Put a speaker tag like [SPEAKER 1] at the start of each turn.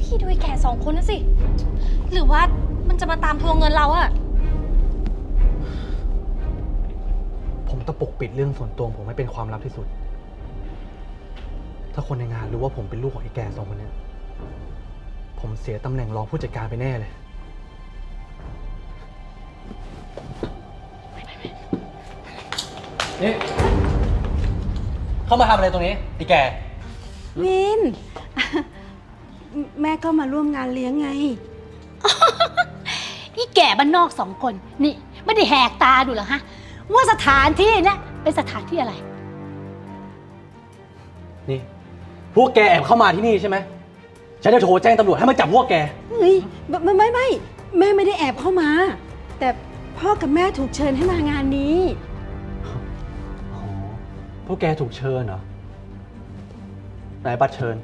[SPEAKER 1] พี่ดูไอ้แก่สองคนนั่นสิ หรือว่ามันจะมาตามทวงเงินเราอะ
[SPEAKER 2] ผมต้องปกปิดเรื่องส่วนตัวผมให้เป็นความลับที่สุด ถ้าคนในงานรู้ว่าผมเป็นลูกของไอ้แก่สองคนนี้ผมเสียตำแหน่งรองผู้จัดการไปแน่เลย นี่ เข้ามาทำอะไรตรงนี้ไอ้แก่
[SPEAKER 3] วิน แม่ก็มาร่วมงานเลี้ยงไง
[SPEAKER 4] นี่แก่บ้านนอกสองคนนี่ไม่ได้แหกตาดูเหรอฮะว่าสถานที่เนี่ยเป็นสถานที่อะไร
[SPEAKER 2] นี่ พวกแกแอบเข้ามาที่นี่ใช่ไหม ฉันจะโทรแจ้งตำรวจให้มาจับพวกแก
[SPEAKER 3] เฮ้ยไม่แม่ไม่ได้แอบเข้ามา แต่พ่อกับแม่ถูกเชิญให้มางานนี้
[SPEAKER 2] อ๋อ พวกแกถูกเชิญเหรอ ไหนบัตรเชิญ